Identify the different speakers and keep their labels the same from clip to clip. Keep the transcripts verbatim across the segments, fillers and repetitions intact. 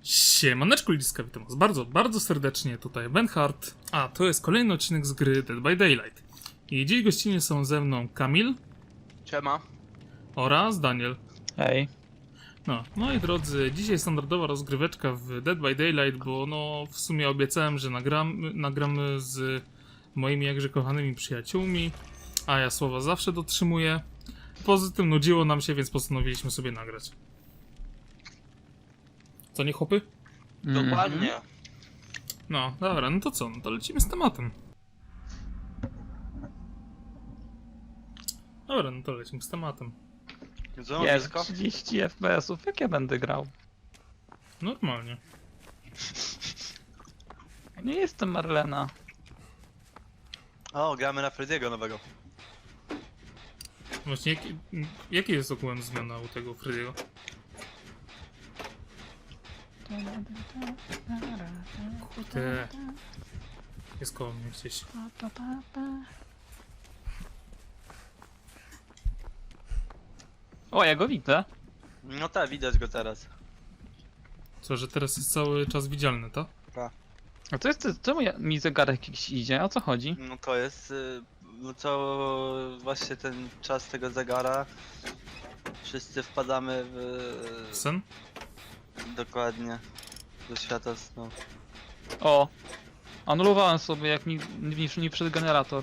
Speaker 1: Siemaneczku ludziska, witam was bardzo, bardzo serdecznie, tutaj Benhard, a to jest kolejny odcinek z gry Dead by Daylight. I dziś gościnnie są ze mną Kamil.
Speaker 2: Siema.
Speaker 1: Oraz Daniel.
Speaker 3: Hej.
Speaker 1: No, moi drodzy, dzisiaj standardowa rozgryweczka w Dead by Daylight, bo no w sumie obiecałem, że nagram, nagramy z moimi jakże kochanymi przyjaciółmi, a ja słowa zawsze dotrzymuję. Poza tym nudziło nam się, więc postanowiliśmy sobie nagrać. Co nie, chłopy?
Speaker 2: Dokładnie.
Speaker 1: No, dobra, no to co? No to lecimy z tematem. Dobra, no to lecimy z tematem.
Speaker 2: Co,
Speaker 3: Jest
Speaker 2: blisko?
Speaker 3: trzydzieści F P S-ów, jak ja będę grał?
Speaker 1: Normalnie.
Speaker 3: Nie jestem Marlena.
Speaker 2: O, gramy na Freddy'ego nowego.
Speaker 1: Właśnie, jaki, jaki jest ogółem zmiana u tego Freddy'ego? Kurde. Jest koło mnie gdzieś.
Speaker 3: O, ja go widzę.
Speaker 2: No tak, widać go teraz.
Speaker 1: Co, że teraz jest cały czas widzialny, to?
Speaker 3: A to jest, czemu ja, mi zegarek jakiś idzie? O co chodzi?
Speaker 2: No to jest... y, No co... Właśnie ten czas tego zegara. Wszyscy wpadamy w...
Speaker 1: Sen?
Speaker 2: Dokładnie. Do świata snu.
Speaker 3: O! Anulowałem sobie, jak mi, mi, mi przed generator.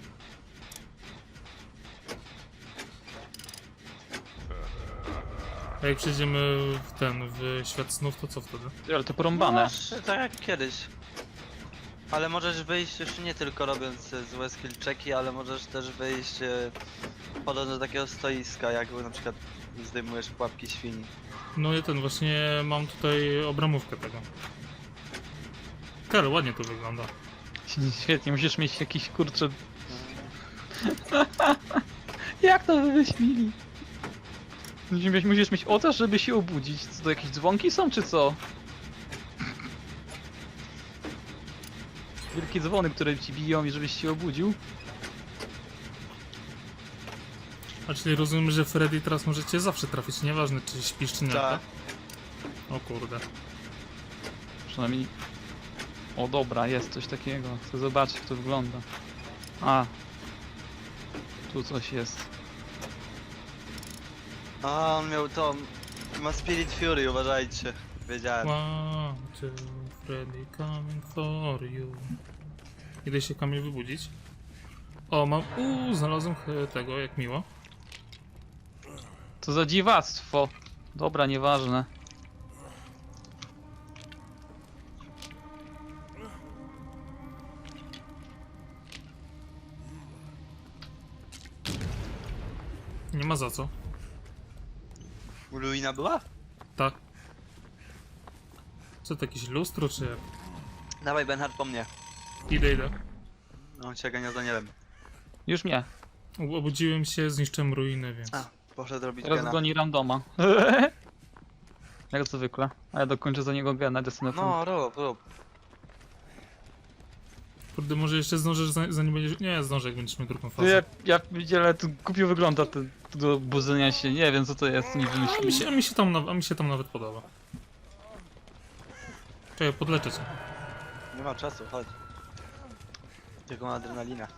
Speaker 1: A jak przejdziemy w ten, w świat snów, to co wtedy?
Speaker 3: Ale to porąbane.
Speaker 2: No, tak jak kiedyś. Ale możesz wyjść już nie tylko robiąc e, złe skill checki, ale możesz też wyjść e, podążać do takiego stoiska, jak na przykład zdejmujesz pułapki świni.
Speaker 1: No ja ten, właśnie mam tutaj obramówkę tego. Karol, ładnie to wygląda.
Speaker 3: Świetnie, musisz mieć jakiś kurczę... Jak to wymyślili? Musisz mieć, musisz mieć ołtarz, żeby się obudzić. Co to, jakieś dzwonki są, czy co? Wielkie dzwony, które ci biją i żebyś się obudził.
Speaker 1: A czyli rozumiem, że Freddy teraz możecie zawsze trafić, nieważne czy śpisz czy nie, tak?
Speaker 2: Tak.
Speaker 1: O kurde.
Speaker 3: Przynajmniej... O dobra, jest coś takiego. Chcę zobaczyć, jak to wygląda. A. Tu coś jest.
Speaker 2: A, on miał to... Ma Spirit Fury, uważajcie. Wiedziałem.
Speaker 1: One, two, Freddy coming for you. Idę się Kamil wybudzić. O, mam... Uuu, znalazłem ch- tego, jak miło.
Speaker 3: Co za dziwactwo. Dobra, nieważne.
Speaker 1: Nie ma za co.
Speaker 2: Ruina była?
Speaker 1: Tak. Co to, jakieś lustro, czy jak?
Speaker 2: Dawaj Benhard po mnie.
Speaker 1: Idę, idę.
Speaker 2: On się gania z Danielem.
Speaker 3: Już nie.
Speaker 1: U- Obudziłem się, zniszczyłem ruiny, więc...
Speaker 2: A, poszedł robić
Speaker 3: Teraz
Speaker 2: gena.
Speaker 3: goni randoma. Jak zwykle. A ja dokończę za niego gena, desynę.
Speaker 2: No, rób, rób.
Speaker 1: Kurde, może jeszcze zdążysz, za- zanim będziesz... Nie, zdążę, jak będziesz miał drugą fazę.
Speaker 3: Ja, ja widziałem, to głupio wygląda to, to do budzenia się. Nie wiem co to jest, nie
Speaker 1: A mi,
Speaker 3: wymyślili.
Speaker 1: się, a, mi się tam, na- a mi się tam nawet podoba. Czekaj, podleczę cię.
Speaker 2: Nie ma czasu, chodź. Tylko adrenalina.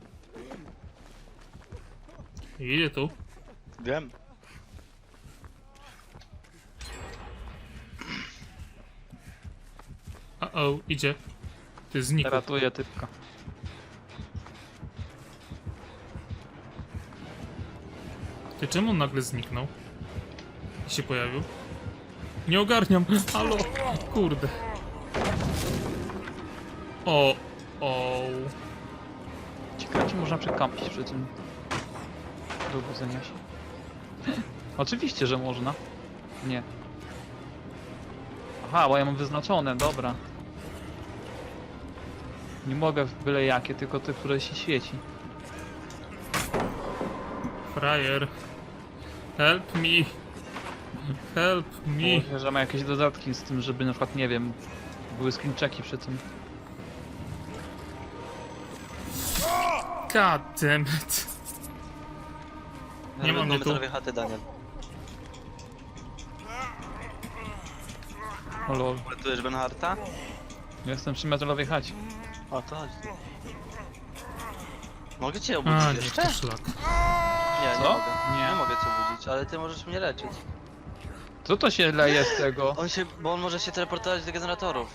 Speaker 1: Idę tu.
Speaker 2: Wiem.
Speaker 1: A o, idzie. Ty znikł.
Speaker 3: Ratuję typka.
Speaker 1: Ty czemu on nagle zniknął? I się pojawił? Nie ogarniam. Halo. Kurde. O. O.
Speaker 3: Ciekawe czy można przekampić przy tym. Do budzenia się. Oczywiście, że można. Nie. Aha, bo ja mam wyznaczone, dobra. Nie mogę w byle jakie, tylko te, które się świeci.
Speaker 1: Frajer. Help me. Help me.
Speaker 3: Może, że ma jakieś dodatki z tym, żeby na przykład, nie wiem, były screenchecki przy tym.
Speaker 1: God damn it. Nie mam go tu.
Speaker 2: chaty, Daniel.
Speaker 3: O lol.
Speaker 2: Uratujesz Benharta?
Speaker 3: Jestem przy metalowej chacie.
Speaker 2: O, to chodzi. Mogę cię
Speaker 1: A,
Speaker 2: obudzić
Speaker 1: nie,
Speaker 2: jeszcze?
Speaker 1: to szlak.
Speaker 2: Nie, nie
Speaker 3: Co?
Speaker 2: mogę.
Speaker 3: Nie.
Speaker 2: Nie mogę cię obudzić, ale ty możesz mnie leczyć.
Speaker 3: Co to się leje z tego?
Speaker 2: On się, bo on może się teleportować do generatorów.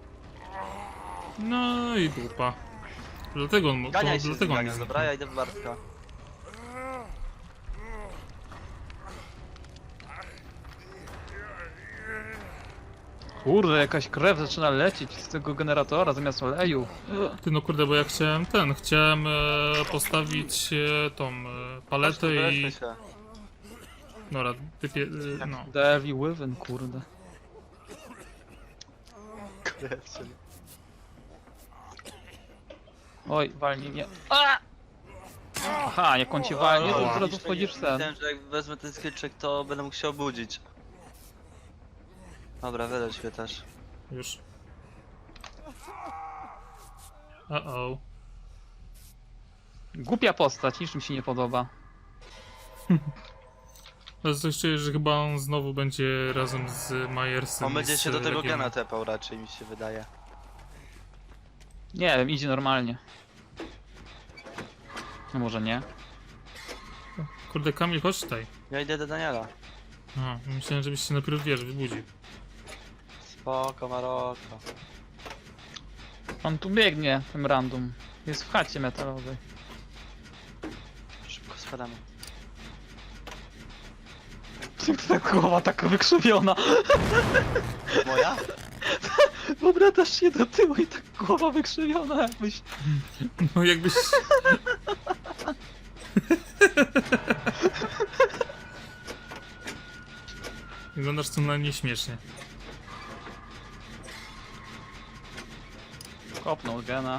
Speaker 1: No i dupa. Dlatego on, to,
Speaker 2: Ganiaj się z
Speaker 1: dlatego on
Speaker 2: ganią,
Speaker 1: jest.
Speaker 2: dobra? Ja idę w Bartka.
Speaker 3: Kurde, jakaś krew zaczyna lecieć z tego generatora zamiast oleju.
Speaker 1: Ty no kurde, bo ja chciałem ten, chciałem e, postawić e, tą e, paletę i...
Speaker 2: Leczmy się.
Speaker 1: Dobra, typie, e, no.
Speaker 3: Devi Wyvern, kurde. Oj, walnij mnie. A! Aha, jak on cię walnie, to
Speaker 1: Ała.
Speaker 3: od razu wchodzisz w ten.
Speaker 2: Myślałem, że jak wezmę ten skillczek, to będę mógł się obudzić. Dobra, wylecz mnie też.
Speaker 1: Już. Uh-oh.
Speaker 3: Głupia postać, niczym się nie podoba.
Speaker 1: Ale coś czuję, że chyba on znowu będzie razem z Majersem.
Speaker 2: On
Speaker 1: i
Speaker 2: będzie
Speaker 1: z
Speaker 2: się do tego
Speaker 1: Legionem.
Speaker 2: gena tepał raczej, mi się wydaje.
Speaker 3: Nie wiem, idzie normalnie. No może nie.
Speaker 1: Kurde, Kamil, chodź tutaj.
Speaker 2: Ja idę do Daniela.
Speaker 1: Aha, myślałem, żebyś się najpierw, wiesz, wybudził.
Speaker 2: Spoko, Maroko.
Speaker 3: On tu biegnie, tym random. Jest w chacie metalowej.
Speaker 2: Szybko spadamy.
Speaker 3: Ta głowa taka wykrzywiona.
Speaker 2: Moja?
Speaker 3: Obracasz się do tyłu i tak głowa wykrzywiona jakbyś...
Speaker 1: No jakbyś... Wyglądasz co najmniej śmiesznie.
Speaker 3: Kopnął gena.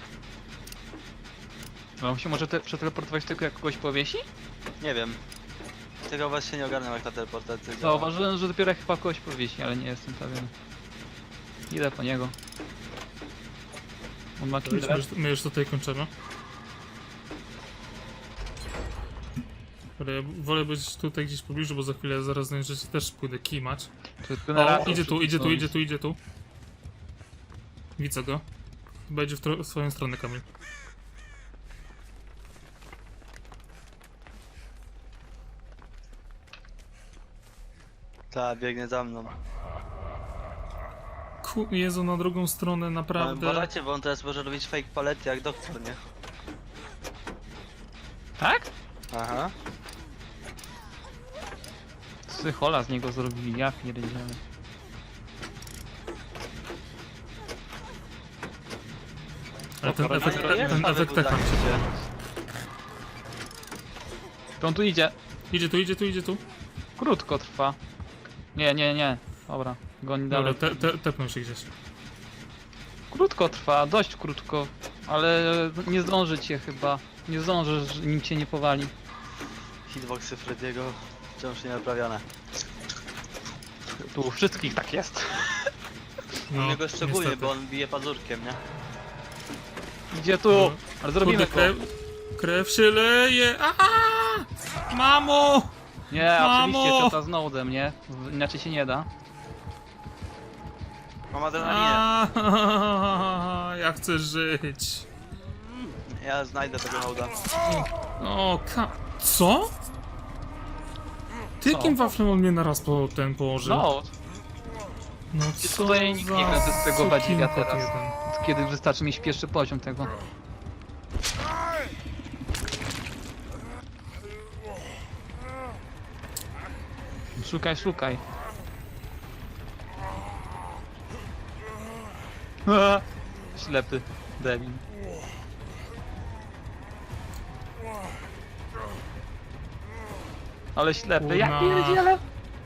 Speaker 3: No on się może te przeteleportować tylko jak kogoś powiesi?
Speaker 2: Nie wiem. Tego właśnie nie ogarnę jak ta teleportacja działa.
Speaker 3: Zauważyłem, że dopiero jak chyba kogoś powiesi, ale nie jestem pewien. Idę po niego. On ma
Speaker 1: To już, my,
Speaker 3: killer.
Speaker 1: już, my już tutaj kończymy. Ale ja wolę być tutaj gdzieś w pobliżu, bo za chwilę zaraz znajdziecie też pójdę kimać.
Speaker 3: To jest
Speaker 1: O,
Speaker 3: generator
Speaker 1: idzie tu, idzie tu,
Speaker 3: wszystko.
Speaker 1: idzie tu, idzie tu. Widzę go. Chyba idzie w, tro- w swoją stronę, Kamil.
Speaker 2: Ta, biegnie za mną.
Speaker 1: Ku, Jezu, na drugą stronę,
Speaker 2: Ale
Speaker 1: naprawdę.
Speaker 2: uważajcie, bo on teraz może robić fake palety jak doktor, nie?
Speaker 3: Tak?
Speaker 2: Aha.
Speaker 3: Psychola z niego zrobili, ja pierdzielę.
Speaker 1: Ale ten
Speaker 3: Dobra,
Speaker 1: efekt,
Speaker 3: dobra,
Speaker 2: jest
Speaker 1: ten
Speaker 2: nowy
Speaker 1: efekt tak nam się
Speaker 2: budak.
Speaker 1: podoba.
Speaker 3: On tu idzie.
Speaker 1: Idzie tu, idzie tu, idzie tu.
Speaker 3: Krótko trwa. Nie, nie, nie. Dobra, goni
Speaker 1: Dobra,
Speaker 3: dalej.
Speaker 1: te, te, tepnął się gdzieś.
Speaker 3: Krótko trwa, dość krótko. Ale nie zdąży cię chyba. Nie zdążysz, nim cię nie powali.
Speaker 2: Hitboxy Frediego wciąż nie naprawione.
Speaker 3: Tu u wszystkich tak jest.
Speaker 2: No, U niego szczególnie,
Speaker 1: niestety.
Speaker 2: bo on bije pazurkiem, nie?
Speaker 3: Idzie tu,
Speaker 1: No.
Speaker 3: ale zrobimy
Speaker 1: Kurde,
Speaker 3: to.
Speaker 1: krew, krew się leje. Aaaa! Mamo!
Speaker 3: Nie,
Speaker 1: Mamo!
Speaker 3: oczywiście czata z nodem, nie? W- Inaczej się nie da.
Speaker 2: Mam adrenalinę.
Speaker 1: Aaaa, ja chcę żyć.
Speaker 2: Ja znajdę tego hołda.
Speaker 1: O, ka... Co? Ty
Speaker 3: Co?
Speaker 1: jakim waflem on mnie naraz po ten położył?
Speaker 3: No,
Speaker 1: No
Speaker 3: Ty
Speaker 1: co
Speaker 3: tutaj nikt nie
Speaker 1: za
Speaker 3: chce z tego badziwia
Speaker 1: sukinkot
Speaker 3: teraz.
Speaker 1: jeden.
Speaker 3: kiedy wystarczy mieć pierwszy poziom tego. Szukaj, szukaj. A, ślepy debil. Ale ślepy, ja
Speaker 1: Kurna.
Speaker 3: pierdzielę!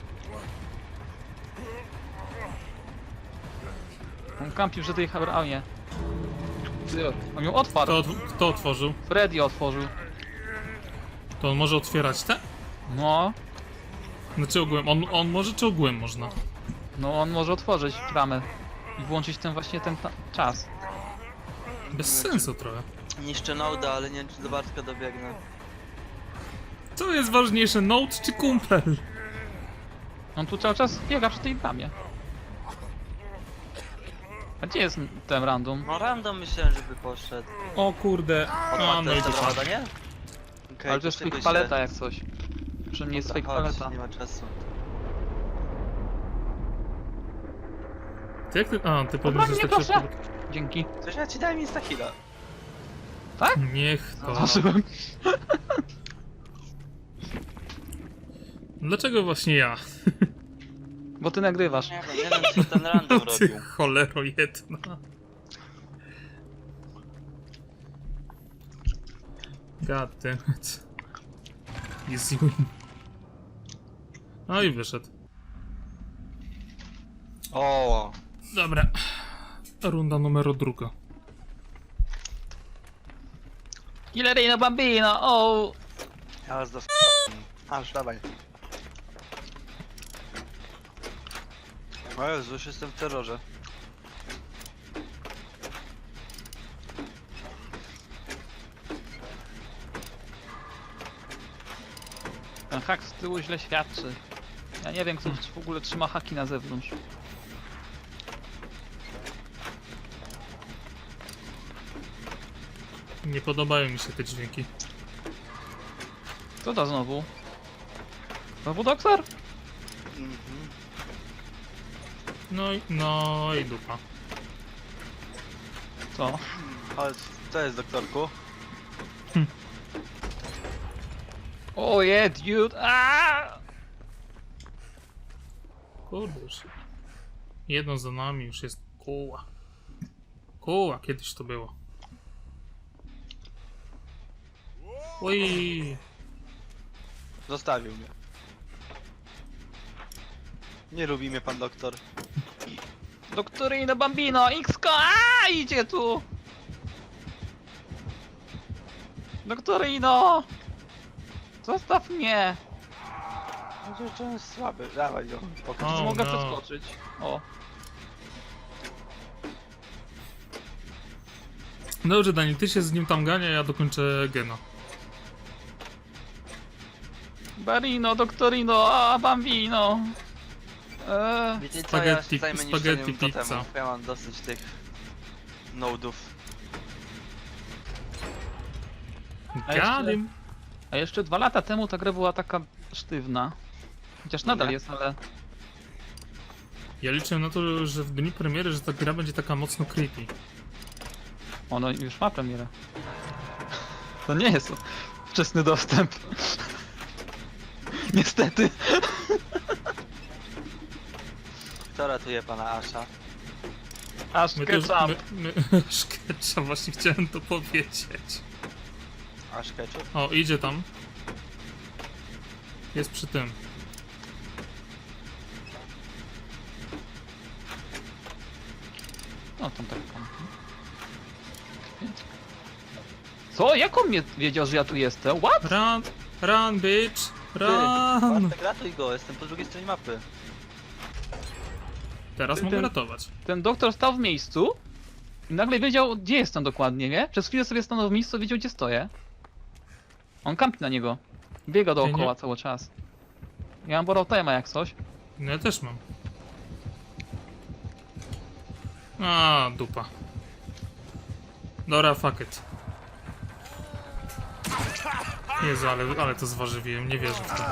Speaker 3: On kampił przy tej Habraunie. On ją otwarł.
Speaker 1: Kto, otw- kto otworzył?
Speaker 3: Freddy otworzył.
Speaker 1: To on może otwierać te?
Speaker 3: No,
Speaker 1: Znaczy ogółem, on, on może czy ogółem można?
Speaker 3: no on może otworzyć bramę i włączyć ten właśnie ten ta- czas.
Speaker 1: Bez sensu trochę.
Speaker 2: Niszczę Noda, ale nie wiem czy do Bartka dobiegnę.
Speaker 1: Co jest ważniejsze, Note czy kumpel?
Speaker 3: On tu cały czas biega przy tej bramie. A gdzie jest ten random?
Speaker 2: No random myślałem, żeby poszedł.
Speaker 1: O kurde. A,
Speaker 2: Odpadł
Speaker 1: no i
Speaker 2: też
Speaker 1: dupa.
Speaker 2: dobra, nie? Okej,
Speaker 3: Ale to jest
Speaker 2: szykuj
Speaker 3: fake
Speaker 2: się.
Speaker 3: paleta jak coś. Przy mnie jest
Speaker 2: Dobra,
Speaker 3: fake
Speaker 2: chodź,
Speaker 3: paleta.
Speaker 2: nie ma czasu.
Speaker 1: Ty jak ty... A, ty
Speaker 3: Dobra,
Speaker 1: podniesiesz
Speaker 3: nie
Speaker 1: tak
Speaker 3: proszę.
Speaker 1: szybko.
Speaker 3: Dzięki.
Speaker 2: Coś ja ci dałem insta heal'a.
Speaker 1: Niech to.
Speaker 3: Zobaczyłem.
Speaker 1: Dlaczego właśnie ja?
Speaker 3: Bo ty nagrywasz.
Speaker 2: Nie wiem, nie wiem co ten random robił.
Speaker 1: Ty cholero jedna. God damn it. Easy win. No i wyszedł.
Speaker 2: O,
Speaker 1: Dobra. Runda numer druga.
Speaker 3: Killerino Bambino, o!
Speaker 2: ja was dos... Aż, dawaj. O Jezu, już jestem w terrorze.
Speaker 3: Ten hak z tyłu źle świadczy. Ja nie wiem, kto w ogóle trzyma haki na zewnątrz.
Speaker 1: Nie podobają mi się te dźwięki.
Speaker 3: Co to znowu? Znowu doktor?
Speaker 2: Mhm.
Speaker 1: No i, no i dupa.
Speaker 3: Co?
Speaker 2: Chodź, co jest doktorku?
Speaker 3: O je, dude! Aaaa!
Speaker 1: Kurde już. Jedno za nami już jest koła. Koła, kiedyś to było. Oj.
Speaker 2: Zostawił mnie. Nie lubi mnie pan doktor.
Speaker 3: Doktorino Bambino, X-ko! Aaaa! Idzie tu! Doktorino! Zostaw mnie!
Speaker 2: No to on jest słaby, dawaj go, pokaż.
Speaker 1: O,
Speaker 3: Czy mogę
Speaker 1: no.
Speaker 3: przeskoczyć? O.
Speaker 1: Dobrze, Dani, ty się z nim tam gania, ja dokończę gena.
Speaker 3: Barino, doktorino, a Bambino! Eee,
Speaker 2: Wiecie co, ja się
Speaker 1: Spaghetti-
Speaker 2: zajmę
Speaker 1: spaghetti
Speaker 2: niszczeniem
Speaker 1: pizza.
Speaker 2: totemów. Ja mam dosyć tych nodów.
Speaker 3: A jeszcze-
Speaker 1: Gadim.
Speaker 3: a jeszcze dwa lata temu ta gra była taka sztywna. Chociaż nadal
Speaker 2: Nie.
Speaker 3: jest, ale...
Speaker 1: Ja liczę na to, że w dniu premiery, że ta gra będzie taka mocno creepy.
Speaker 3: Ono już ma premierę. To nie jest wczesny dostęp. Niestety.
Speaker 2: Kto ratuje pana Asha?
Speaker 3: Aż
Speaker 1: My też,
Speaker 3: ketchup.
Speaker 1: my, my, szkecza, właśnie chciałem to powiedzieć.
Speaker 2: Ash Ketchup?
Speaker 1: O, idzie tam. Jest przy tym.
Speaker 3: No tam tak tam. Co? Jak on mnie wiedział, że ja tu jestem? What?
Speaker 1: Run, run, bitch, run.
Speaker 2: Bartek, ratuj go, jestem po drugiej stronie mapy.
Speaker 1: Teraz
Speaker 3: Ty-
Speaker 1: mogę
Speaker 3: ten-
Speaker 1: ratować.
Speaker 3: Ten doktor stał w miejscu i nagle wiedział, gdzie jestem dokładnie, nie? Przez chwilę sobie stanął w miejscu, wiedział, gdzie stoję. On kampi na niego. Biega dookoła
Speaker 1: nie-
Speaker 3: cały czas. Ja mam borrow time'a jak coś.
Speaker 1: No ja też mam. A, dupa. Dobra, fuck it. Jezu, ale, ale to zważywiłem, nie wierzę w to.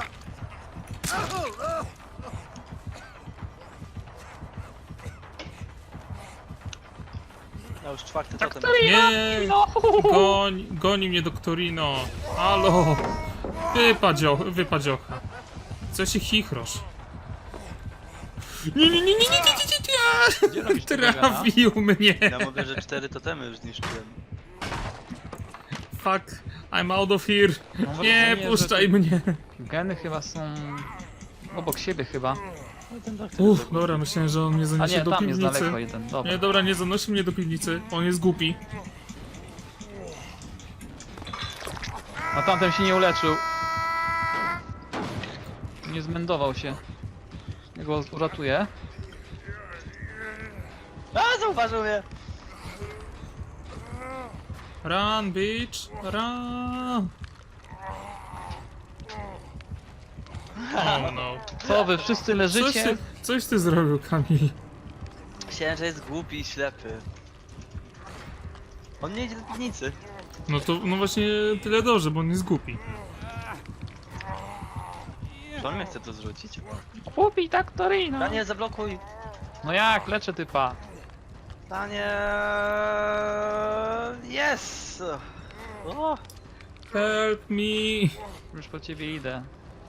Speaker 2: Ja już czwarty totem.
Speaker 3: Doktorino!
Speaker 1: Nie!
Speaker 3: No!
Speaker 1: Goń, goni mnie doktorino. Halo! Wypadzio, wypadziocha. Co się chichrosz? Nie, nie, nie, nie, nie, nie, nie,
Speaker 3: Gdzie
Speaker 1: nie,
Speaker 3: robisz
Speaker 1: nie.
Speaker 3: tego gena?
Speaker 1: Trafił mnie.
Speaker 2: Ja mówię, że cztery totemy już zniszczyłem.
Speaker 1: Fuck, I'm out of here.
Speaker 3: Mam
Speaker 1: Nie,
Speaker 3: wrażenie,
Speaker 1: puszczaj
Speaker 3: że
Speaker 1: mnie.
Speaker 3: Geny chyba są obok siebie chyba.
Speaker 2: No ten doktor
Speaker 1: Uff,
Speaker 2: jest
Speaker 1: dobra, myślałem, że on mnie
Speaker 3: A
Speaker 1: zaniesie
Speaker 3: nie,
Speaker 1: do
Speaker 3: tam jest
Speaker 1: piwnicy.
Speaker 3: daleko jeden. Dobra.
Speaker 1: Nie, dobra, nie zanosi mnie do piwnicy. On jest głupi.
Speaker 3: A tamten się nie uleczył. Nie zmędował się. Ja go uratuję.
Speaker 2: A, zauważył mnie!
Speaker 1: Run, bitch, run. Oh no.
Speaker 3: Co wy wszyscy
Speaker 1: Coś
Speaker 3: leżycie?
Speaker 1: ty, coś ty zrobił, Kamil.
Speaker 2: Myślałem, że jest głupi i ślepy. On nie idzie do piwnicy.
Speaker 1: No to, no właśnie tyle dobrze, bo on jest głupi.
Speaker 2: Czy on mnie chce to zrzucić?
Speaker 3: Kupi tak Torino.
Speaker 2: Daniel, zablokuj!
Speaker 3: No jak, leczę typa.
Speaker 2: Daniel! Yes! O!
Speaker 1: Help me!
Speaker 3: Już po ciebie idę.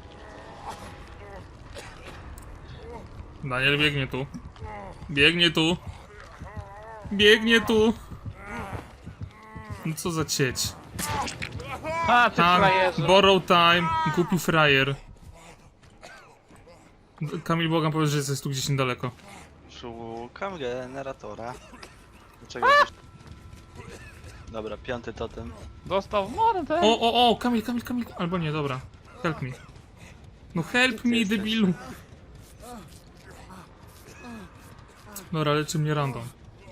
Speaker 1: Daniel biegnie tu. Biegnie tu. Biegnie tu. No co za cieć.
Speaker 3: A, ty
Speaker 1: Tak,
Speaker 3: frajerze.
Speaker 1: borrow time, głupi frajer. Kamil, błagam, powiedz, że jesteś tu gdzieś niedaleko.
Speaker 2: Szukam generatora. Dlaczego? Dobra, piąty totem.
Speaker 3: Dostał w mordę.
Speaker 1: O, o, o, Kamil, Kamil, Kamil, albo nie, dobra. Help me. No help me,
Speaker 2: jesteś?
Speaker 1: debilu. Dobra, leczy mnie random.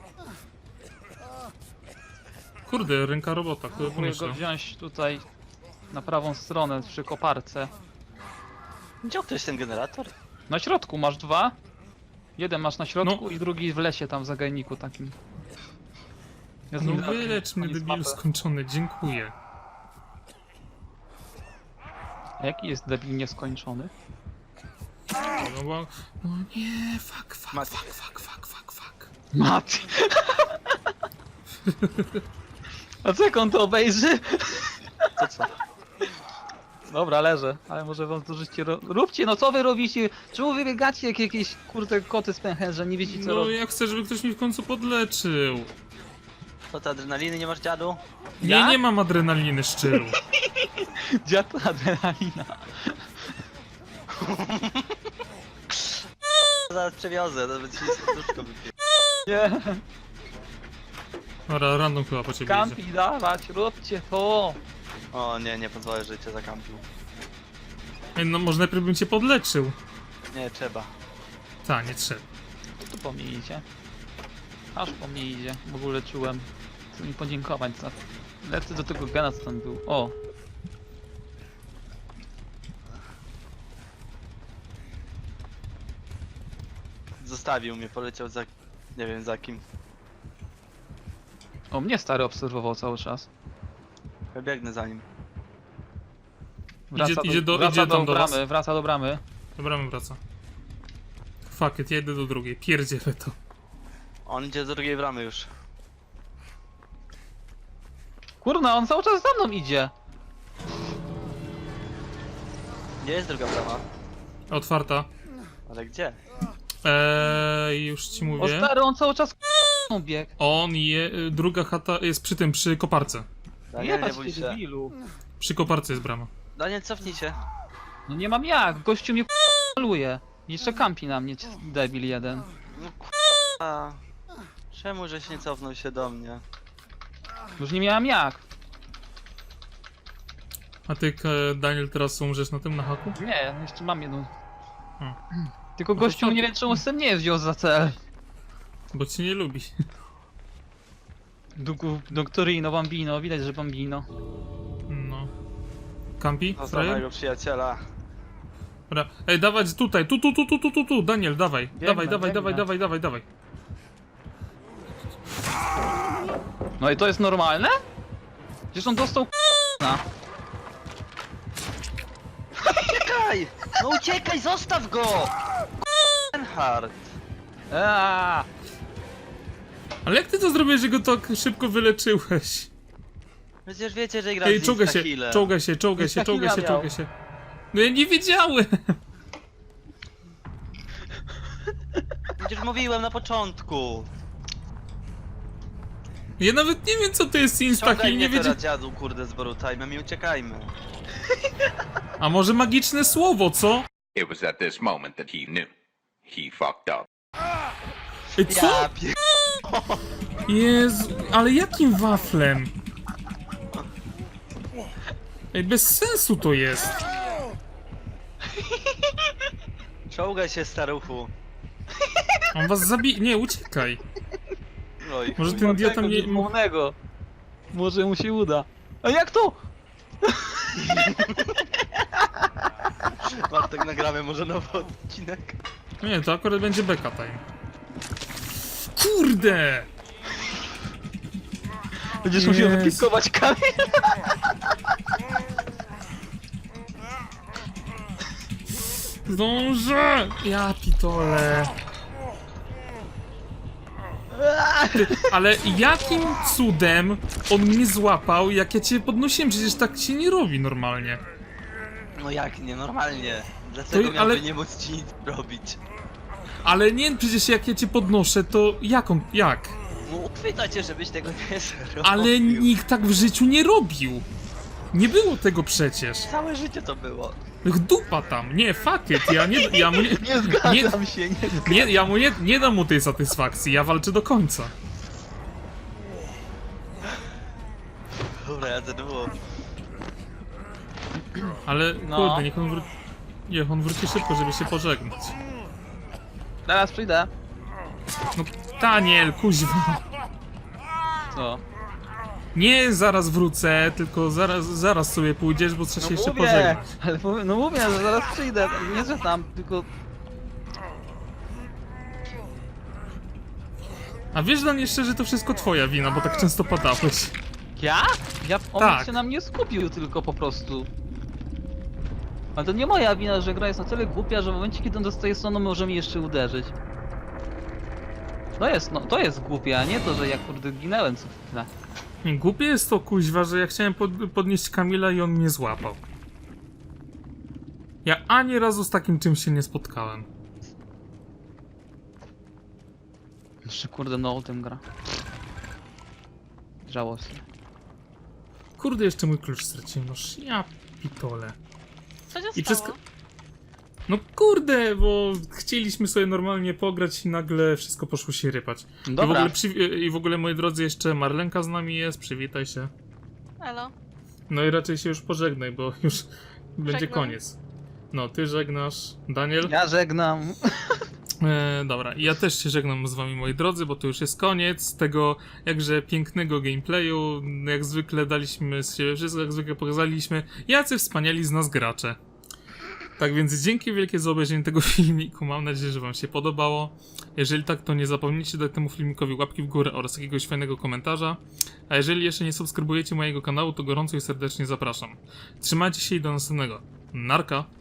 Speaker 1: Kurde, ręka robota, kto by
Speaker 3: Próbuję
Speaker 1: pomyślał.
Speaker 3: go wziąć tutaj na prawą stronę przy koparce.
Speaker 2: Gdzie ktoś ten generator?
Speaker 3: Na środku masz dwa. Jeden masz na środku
Speaker 1: No.
Speaker 3: i drugi w lesie tam w zagajniku takim. Ja z
Speaker 1: No
Speaker 3: nim
Speaker 1: wylecz mnie,
Speaker 3: koniec
Speaker 1: debilu
Speaker 3: mapy.
Speaker 1: skończony, dziękuję.
Speaker 3: A jaki jest debil nieskończony?
Speaker 1: No, bo... no nie, fuck, fuck,
Speaker 2: Mati.
Speaker 1: fuck, fuck, fuck, fuck, fuck.
Speaker 3: Mati! A co jak on to obejrzy?
Speaker 2: To co?
Speaker 3: Dobra, leżę, ale może wam to życie ro... Róbcie, no co wy robicie? Czemu wy biegacie jak jakieś kurde koty z pęcherza, nie wiecie co
Speaker 1: No
Speaker 3: robić?
Speaker 1: ja chcę, żeby ktoś mi w końcu podleczył.
Speaker 2: Co ty, adrenaliny nie masz, dziadu?
Speaker 1: Nie,
Speaker 3: Ja?
Speaker 1: nie mam adrenaliny szczylu.
Speaker 3: Dziad adrenalina.
Speaker 2: Zaraz przewiozę, nawet ci serduszko wypiję.
Speaker 3: Nie,
Speaker 1: Dobra, random chyba po ciebie idzie.
Speaker 3: kampi dawać, róbcie to.
Speaker 2: O nie, nie pozwolę, że cię zakampił.
Speaker 1: Ej, no może najpierw bym cię podleczył.
Speaker 2: Nie, trzeba.
Speaker 1: Ta, nie trzeba.
Speaker 3: Tu po mnie idzie. Aż po mnie idzie, w ogóle czułem. Chcę mi podziękować za... Lecę do tego gena co tam był. O!
Speaker 2: Zostawił mnie, poleciał za... nie wiem za kim.
Speaker 3: O, mnie stary obserwował cały czas.
Speaker 2: Ja biegnę za nim.
Speaker 1: Idzie- idzie do-
Speaker 3: wraca
Speaker 1: idzie tam do
Speaker 3: bramy,
Speaker 1: was.
Speaker 3: wraca do bramy.
Speaker 1: Dobra, my wraca. Fuck it, ja idę do drugiej. Pierdzielę to.
Speaker 2: On idzie do drugiej bramy już.
Speaker 3: Kurna, on cały czas za mną idzie.
Speaker 2: Gdzie jest druga brama?
Speaker 1: Otwarta.
Speaker 2: Ale gdzie?
Speaker 1: Eee, już ci
Speaker 3: O
Speaker 1: mówię.
Speaker 3: stary, on cały czas bieg.
Speaker 1: On je... y, druga chata jest przy tym, przy koparce.
Speaker 2: Daniel, nie
Speaker 3: Jebać
Speaker 2: bój
Speaker 3: ty
Speaker 2: się.
Speaker 3: debilu.
Speaker 1: Przy koparce jest brama.
Speaker 2: Daniel, cofnij się.
Speaker 3: No nie mam jak, gościu mnie k***luje. Jeszcze kampi na mnie, debil jeden.
Speaker 2: No k***a. Czemu żeś nie cofnął się do mnie?
Speaker 3: Już nie miałem jak.
Speaker 1: A ty, K- Daniel, teraz umrzesz na tym, na haku?
Speaker 3: Nie, jeszcze mam jedną.
Speaker 1: Hmm.
Speaker 3: Tylko
Speaker 1: No to
Speaker 3: gościu
Speaker 1: co?
Speaker 3: nie wiem czemu z tym nie wziął za cel.
Speaker 1: Bo cię nie lubi.
Speaker 3: Dugu, Doktorino, Bambino, widać, że Bambino.
Speaker 1: No. Kampi?
Speaker 2: Został
Speaker 1: Frajer?
Speaker 2: mojego przyjaciela.
Speaker 1: Dobra. Ej, dawać tutaj, tu, tu, tu, tu, tu, tu, tu, Daniel, dawaj,
Speaker 3: Biegnę,
Speaker 1: dawaj, dawaj,
Speaker 3: biegnę.
Speaker 1: dawaj, dawaj, dawaj, dawaj.
Speaker 3: No i to jest normalne? Przecież on dostał k***na.
Speaker 2: Uciekaj! No uciekaj, zostaw go! Enhard.
Speaker 3: Eee,
Speaker 1: Ale jak ty to zrobiłeś, że go tak szybko wyleczyłeś?
Speaker 2: Przecież wiecie, że gra
Speaker 1: Ej,
Speaker 2: z
Speaker 1: czołgaj się,
Speaker 2: Instahealem.
Speaker 1: czołgaj się, czołgaj się, czołgaj się,
Speaker 3: Instaheala
Speaker 1: czołgaj się. No ja nie wiedziałem!
Speaker 2: Przecież mówiłem na początku.
Speaker 1: Ja nawet nie wiem, co to jest
Speaker 2: Ściągaj
Speaker 1: Instaheal,
Speaker 2: mnie
Speaker 1: nie wiedziałem.
Speaker 2: teraz, dziadu, kurde, z Borutajmem i uciekajmy.
Speaker 1: A może magiczne słowo, co?
Speaker 4: It was at this moment that he knew. He fucked up.
Speaker 1: Ej, co?
Speaker 2: Ja pie...
Speaker 1: Jezu, ale jakim waflem? Ej, bez sensu to jest.
Speaker 2: Czołgaj się, staruchu.
Speaker 1: On was zabije. Nie, uciekaj.
Speaker 2: Oj,
Speaker 1: Może
Speaker 2: chuj.
Speaker 1: ten idiota nie...
Speaker 3: Głównego. Może mu się uda. A jak to?
Speaker 2: Bartek, nagramy może nowy odcinek.
Speaker 1: Nie, to akurat będzie beka time. kurde!
Speaker 3: Będziesz musiał
Speaker 1: Jezu.
Speaker 3: wypikować kamień.
Speaker 1: Zdążę! Ja pitole. Ty, ale jakim cudem on mnie złapał, jak ja cię podnosiłem? Przecież tak się nie robi normalnie.
Speaker 2: No jak nie, normalnie. Dlaczego
Speaker 1: To-
Speaker 2: miałby
Speaker 1: ale-
Speaker 2: nie móc ci nic robić?
Speaker 1: Ale nie, przecież jak ja cię podnoszę, to jak on, jak?
Speaker 2: No uchwyta cię, żebyś tego nie zrobił.
Speaker 1: Ale nikt tak w życiu nie robił. Nie było tego przecież.
Speaker 2: Całe życie to było.
Speaker 1: Ach, dupa tam, nie, fuck it, ja nie, ja mu nie,
Speaker 3: Nie zgadzam się, nie zgadzam.
Speaker 1: nie, ja mu nie, nie dam mu tej satysfakcji, ja walczę do końca.
Speaker 2: Dobra, ja to było.
Speaker 1: Ale
Speaker 3: No.
Speaker 1: kurde, niech on wróci, niech on wróci szybko, żeby się pożegnać.
Speaker 3: Zaraz przyjdę.
Speaker 1: No, Daniel, kuźwa.
Speaker 3: Co?
Speaker 1: Nie zaraz wrócę, tylko zaraz, zaraz sobie pójdziesz, bo trzeba się jeszcze
Speaker 3: mówię,
Speaker 1: pożegnać.
Speaker 3: ale mówię, no mówię, że zaraz przyjdę. Nie, że tam, tylko...
Speaker 1: A wiesz, Dan, jeszcze, że to wszystko twoja wina, bo tak często padałeś.
Speaker 3: Ja? Ja, on
Speaker 1: Tak.
Speaker 3: się na mnie skupił tylko po prostu. Ale to nie moja wina, że gra jest na tyle głupia, że w momencie kiedy on dostaje stroną może mi jeszcze uderzyć. To jest, no, to jest głupie, a nie to, że ja kurde ginęłem co chwilę.
Speaker 1: Głupie jest to, kuźwa, że ja chciałem pod, podnieść Kamila i on mnie złapał. Ja ani razu z takim czymś się nie spotkałem.
Speaker 3: Jeszcze kurde no o tym gra. Żałosne.
Speaker 1: Kurde, jeszcze mój klucz straciłem, noż ja pitole.
Speaker 2: Co się
Speaker 1: I przez... No kurde, bo chcieliśmy sobie normalnie pograć i nagle wszystko poszło się rypać. I w,
Speaker 3: Dobra.
Speaker 1: ogóle przy... I w ogóle, moi drodzy, jeszcze Marlenka z nami jest, przywitaj się.
Speaker 5: Elo.
Speaker 1: No i raczej się już pożegnaj, bo już będzie
Speaker 5: Żegnam.
Speaker 1: koniec. No, ty żegnasz, Daniel.
Speaker 3: Ja żegnam.
Speaker 1: E, dobra, i ja też się żegnam z wami, moi drodzy, bo to już jest koniec tego jakże pięknego gameplayu. Jak zwykle daliśmy z siebie wszystko, jak zwykle pokazaliśmy, jacy wspaniali z nas gracze. Tak więc dzięki wielkie za obejrzenie tego filmiku, mam nadzieję, że wam się podobało. Jeżeli tak, to nie zapomnijcie dać temu filmikowi łapki w górę oraz jakiegoś fajnego komentarza. A jeżeli jeszcze nie subskrybujecie mojego kanału, to gorąco i serdecznie zapraszam. Trzymajcie się i do następnego. Narka!